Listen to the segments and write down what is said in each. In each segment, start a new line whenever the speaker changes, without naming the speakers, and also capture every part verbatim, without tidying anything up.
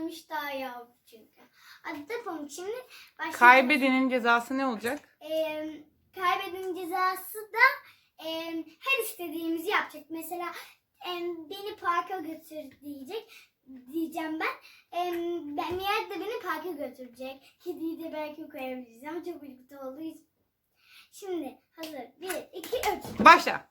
gelmiş daha yavru çünkü. Hadi yapalım şimdi. Başlayalım.
Kaybedenin cezası ne olacak?
Ee, kaybedenin cezası da e, her istediğimizi yapacak. Mesela e, beni parka götür diyecek. Diyeceğim ben. E, ben Miyad de beni parka götürecek. Kediyi de belki koyabiliriz ama çok birlikte olduğu için. Şimdi hazır. Bir, iki, üç.
Başla.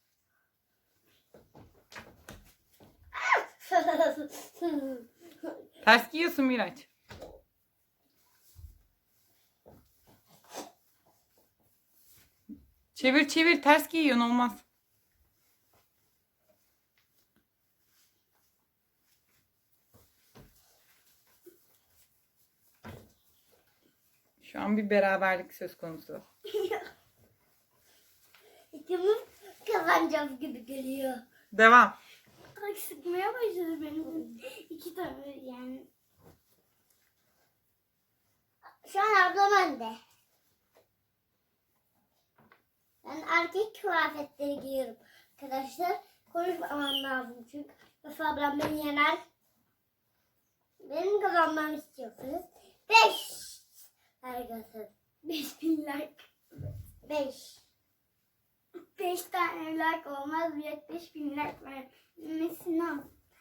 Ters giyiyorsun Miraç. Çevir çevir, ters giyiyorsun, olmaz. Şu an bir beraberlik söz konusu.
İkimiz kazanacağız gibi geliyor.
Devam.
Ay sıkmaya başladı benim. İki tane yani. Şu an ablam önde. Ben erkek kıyafetleri giyiyorum. Arkadaşlar konuşmamam lazım çünkü Efe ablam beni yener. Benim kazanmamı istiyorsunuz. Beş. Arkadaşlar. Beş bin like. Beş. Beş tane like olmaz. Bir beş bin like vermesini al.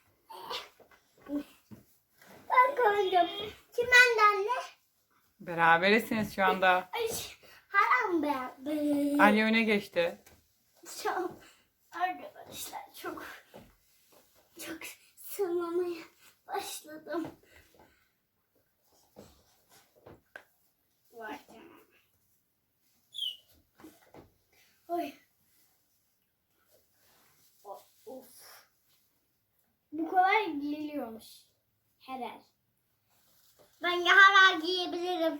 Ben koydum. Kim benden ne?
Berabersiniz şu anda.
Ay, haram be. be.
Ali öne geçti.
Şu an arkadaşlar çok çok sırlamaya başladım. Var canım. Oy. Of, of. Bu kolay giyiliyormuş. Herhal. Ben herhal giyebilirim.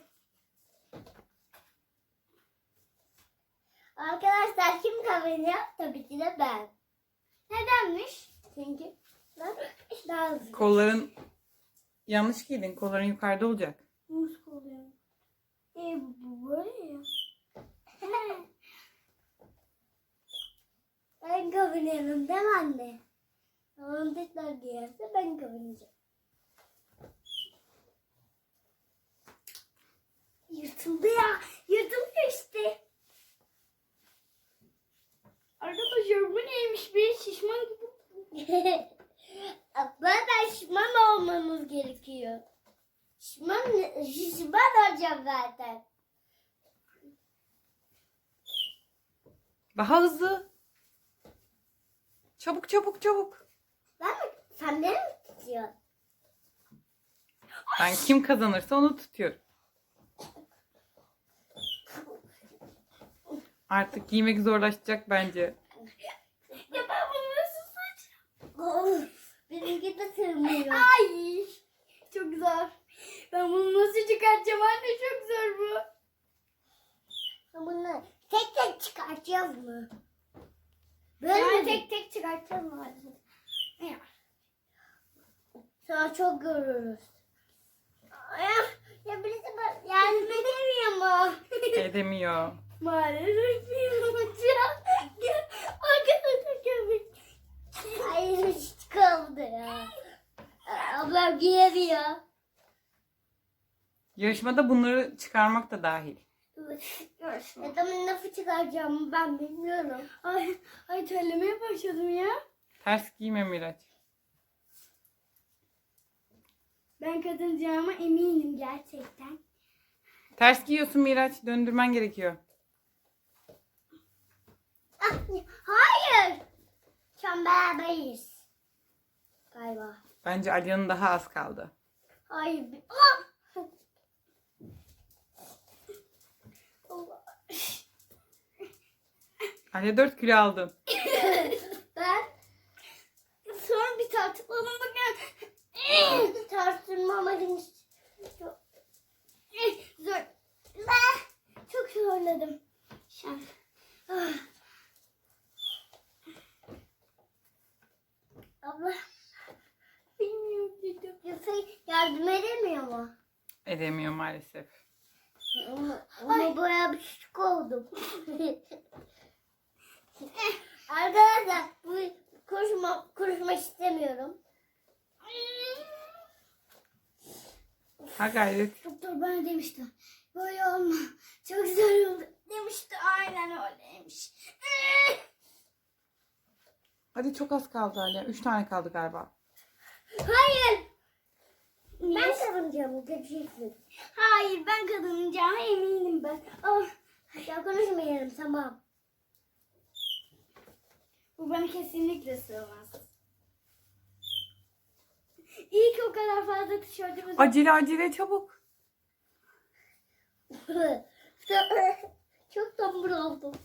Arkadaşlar kim kazanıyor? Tabii ki de ben. Nedenmiş? Çünkü ben daha hızlı.
Kolların yanlış giydin. Kolların yukarıda olacak.
Nasıl oluyor? E bu böyle ya. Ben kazanıyorum değil mi anne? Onun tekrar giyerse ben kazanacağım. Yırtıldı ya. Yırtılıyor işte. Arkadaşlar bu neymiş be? Şişman gibi. Zaten şişman olmamız gerekiyor. Şişman, şişman olacağım zaten.
Daha hızlı. Çabuk çabuk çabuk.
Ben mi? Sen beni mi tutuyorsun?
Ben kim kazanırsa onu tutuyorum. Artık giymek zorlaşacak bence.
Ya ben bunu nasıl saçacağım? Benimki de sığmıyor. Ay çok zor. Ben bunu nasıl çıkartacağım anne, çok zor bu. Bunu tek tek çıkartacağız mı? Böyle yani tek tek çıkartacağız mı? Ya. Sonra çok görürüz. Ya, ya birisi bana yardım edemiyor mu?
Edemiyor.
Maalesef yapacağım. Arkadaşlar köpek. Ay hiç kaldı ya. Ablam giyemiyor.
Yarışmada bunları çıkarmak da dahil.
Görüşme. Adamın nasıl çıkaracağımı ben bilmiyorum. Ay, ay terlemeye başladım ya.
Ters giyme Miraç.
Ben kazanacağıma eminim gerçekten.
Ters giyiyorsun Miraç. Döndürmen gerekiyor.
Ah, hayır. Şu an beraberiz. Galiba.
Bence Ali'nin daha az kaldı.
Hayır. Ah! Allah.
Ali dört kilo aldın.
Ben sonra bir tartıklalım bakın. Tartılmamalıyım. Çok zor. Ben çok zorladım. Şu an. Ah. Abla. Bilmiyorum dedim. Yoksa yardım edemiyor mu?
Edemiyor maalesef.
Ama, ama bayağı bir şık oldum. Arkadaşlar bu konuşma, konuşmak istemiyorum.
Ha gayret.
Doktor bana demişti. Böyle olma. Çok zor oldu. Demişti. Aynen öyleymiş.
Hadi çok az kaldı hala. Üç tane kaldı galiba.
Hayır. Ben kazanacağım. Göreceksin. Hayır ben kazanacağıma eminim ben. Oh. Ya konuşmayalım tamam. Bu bana kesinlikle sığmaz. İyi ki o kadar fazla tişörtümüz var.
Acele acele çabuk.
Çok tombul oldum.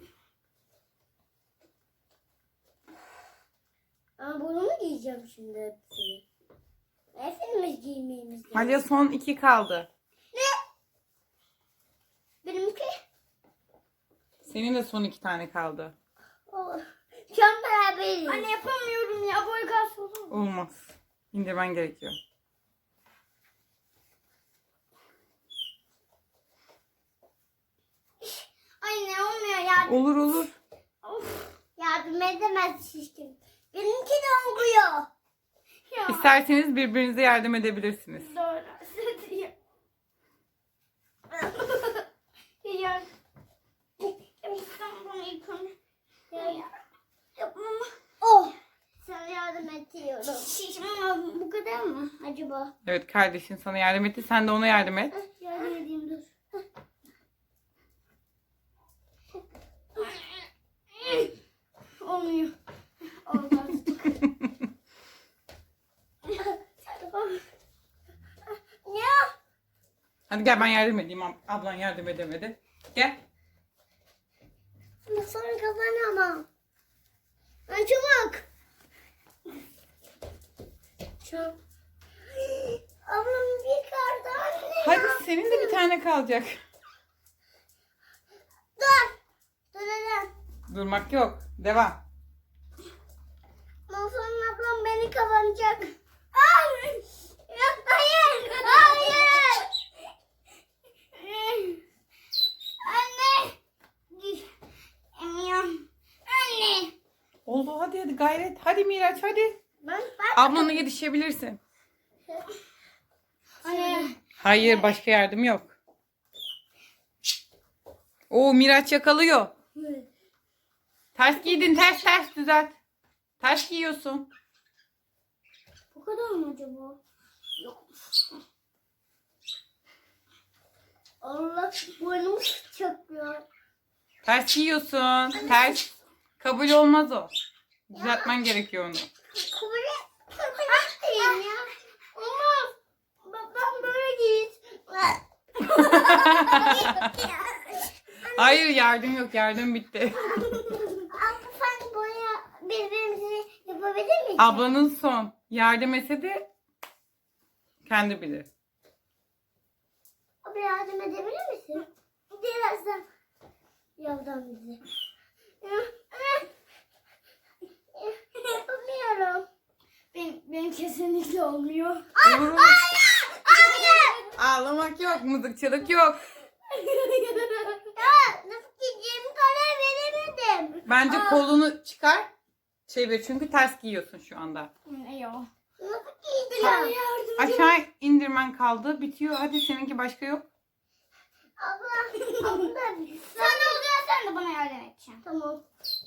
Ama bunu mu giyeceğim şimdi hepsini? Hepsini mi giymeyimiz lazım?
Hala son iki kaldı.
Benimki?
Senin de son iki tane kaldı.
Oh. Şu an beraberiz. Anne yapamıyorum ya. Boy kas olur mu?
Olmaz. İndirmen gerekiyor.
Anne olmuyor ya.
Olur olur.
Of. Yardım edemez şişkin. Benimki de oluyor. Ya.
İsterseniz birbirinize yardım edebilirsiniz.
Doğru. Sıdıyor. Ya. İstanbul'u yıkamı. Ya. Yapmam. Oh. Sana yardım ediyorum. Şişman bu kadar mı acaba?
Evet, kardeşin sana yardım etti. Sen de ona yardım et.
Yardım edeyim dur. Olmuyor. Olmaz. Ya.
Hadi gel ben yardım edeyim. Ab- Ablan yardım edemedi. Gel.
Ama sonra kazanamam. Ben çabuk. Çabuk. Ablam bir kardı anne.
Hadi senin de bir tane kalacak.
Dur. Dur neden?
Durmak yok. Devam.
Ondan sonra ablam beni kazanacak. Ay! Yok hayır. Hayır. Anne. Emiyorum. Anne.
Oldu, hadi hadi gayret. Hadi Miraç hadi.
Ben, ben.
Ablana yetişebilirsin.
Anne.
Hayır, başka yardım yok. Oo, Miraç yakalıyor. Ters giydin, ters ters düzelt. Ters giyiyorsun.
Bu kadar mı acaba? Yok. Allah burnum çakıyor.
Ters giyiyorsun. Ters. Kabul olmaz o. Düzeltmen gerekiyor onu.
Kubure. Kubure ya. Olmaz. Babam böyle giyit.
Hayır, yardım yok. Yardım bitti.
Abla sen boya birbirimizi yapabilir miyiz?
Ablanın son. Yardım etse de kendi bilir.
Abla yardım edebilir misin? Birazdan. Yoldan bizi. Yapamıyorum. Benim, benim kesinlikle olmuyor.
Olur, olur.
Hayır!
Ağlamak yok. Mızıkçılık yok.
Ya nasıl gideceğimi karar veremedim.
Bence
Aa.
kolunu çıkar. Çevir, çünkü ters giyiyorsun şu anda.
Yok. Nasıl giyeceğim?
Aşağı indirmen kaldı. Bitiyor. Hadi, seninki başka yok.
Abla, abla. Sen olacaksın, sen de bana yardım edeceksin. Tamam.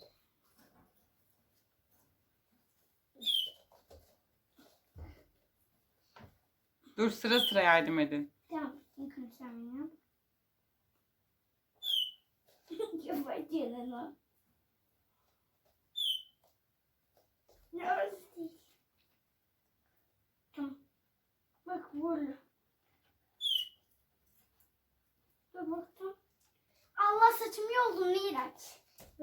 Dur, sıra sıra yardım edin.
Tamam. İlk sen ya. Yapacağım onu. Ne orası? Tamam. Bak böyle. Dur baktım. Allah saçımı yoldum Miraç.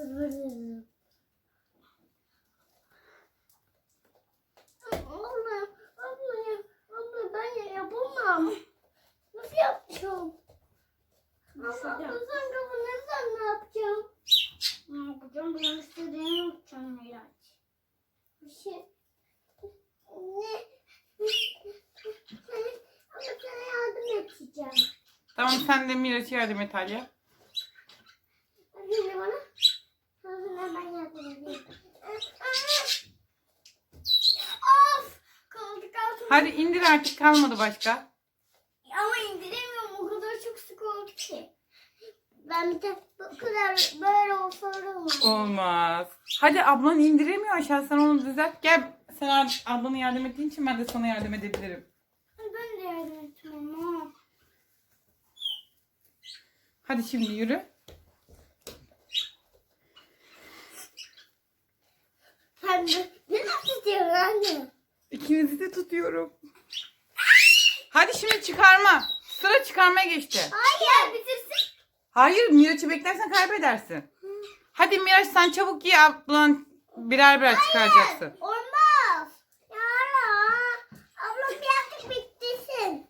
Abla, abla ya, abla ben ya yapamam. Nasıl yapacağım? Abla sen kazanırsan ne yapacağım? Ne yapacağım? Ben istediğimi yapacağım Miraç. Bir şey. Ne? Ama sana yardım edeceğim.
Tamam, sen de Miraç'a yardım et Alya.
Şimdi bana. Sonra ben yardım edeyim. Of! Kaldı kaldı.
Hadi indir artık, kalmadı başka.
Ama indiremiyorum. O kadar çok sık oldu ki. Ben bir de bu kadar böyle olsa olmaz.
Olmaz. Hadi ablan indiremiyor aşağı. Sen onu düzelt. Gel. Sen ab- ablana yardım ettiğin için ben de sana yardım edebilirim.
Ben de yardım ettim ama.
Hadi şimdi yürü.
Sen de ne istiyorsun anne?
İkinizi de tutuyorum. Hadi şimdi çıkarma. Sıra çıkarmaya geçti.
Hayır bitirsin.
Hayır, Miraç'ı beklersen kaybedersin. Hadi Miraç sen çabuk giy, ablan birer birer çıkaracaksın.
Olmaz. Yara. Ablam birazcık bitirsin.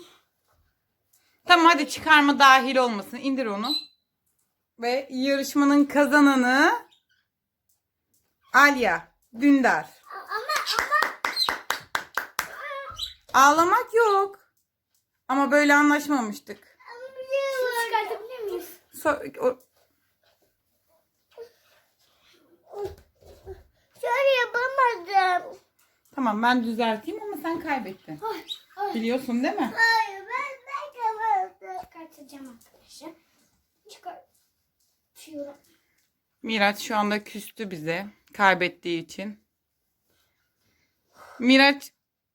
Tamam hadi çıkarma dahil olmasın. İndir onu. Ve yarışmanın kazananı Alya Dündar.
Ama ama.
Ağlamak yok. Ama böyle anlaşmamıştık.
Şunu çıkartabilir miyiz?
So- o-
Şöyle yapamadım.
tamam ben düzelteyim ama sen kaybettin.
Ay, ay.
Biliyorsun değil mi?
Hayır ben ben yapamadım. Çıkartacağım arkadaşlar. Çıkartıyorum.
Miraç şu anda küstü bize kaybettiği için. Miraç,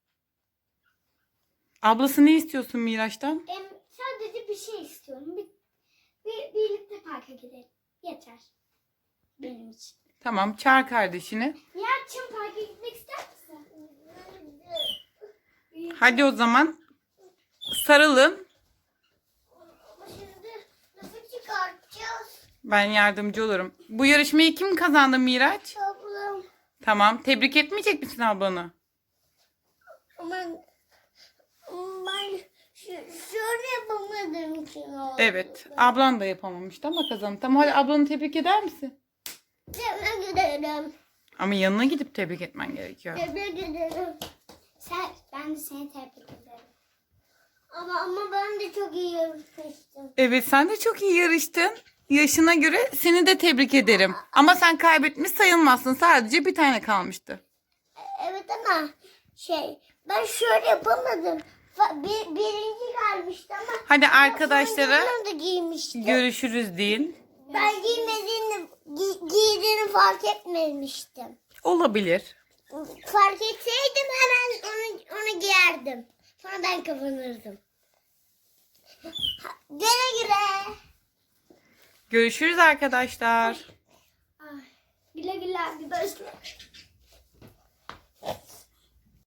ablası ne istiyorsun Miraç'tan?
Em, sadece bir şey istiyorum. Bir, bir, birlikte parka gidelim. Yeter. Benim için.
Tamam çağır kardeşini.
Nihat'cığım parka gitmek ister misin?
Hadi o zaman sarılın.
Ama şimdi nasıl çıkartacağız?
Ben yardımcı olurum. Bu yarışmayı kim kazandı Miraç?
Ablam.
Tamam. Tebrik etmeyecek misin ablanı?
Ama ben şu- şöyle yapamadığım için oldu.
Evet. Ablan da yapamamıştı ama kazandı. Tamam hadi ablanı tebrik eder misin?
Tebrik ederim.
Ama yanına gidip tebrik etmen gerekiyor.
Tebrik ederim. Sen, ben de seni tebrik ederim. Ama ama ben de çok iyi yarışmıştım.
Evet sen de çok iyi yarıştın. Yaşına göre seni de tebrik ederim. Ama sen kaybetmiş sayılmazsın. Sadece bir tane kalmıştı.
Evet ama şey ben şöyle yapamadım. Fa- Bir, birinci gelmişti ama.
Hadi
ama
arkadaşlara
sonuncularını da giymişti.
görüşürüz deyin.
Ben giymediğini, gi- giydiğini fark etmemiştim.
Olabilir.
Fark etseydim hemen onu, onu giyerdim. Sonra ben kazanırdım. Ha, Güle güle.
Görüşürüz arkadaşlar.
Ay, güle güle arkadaşlar.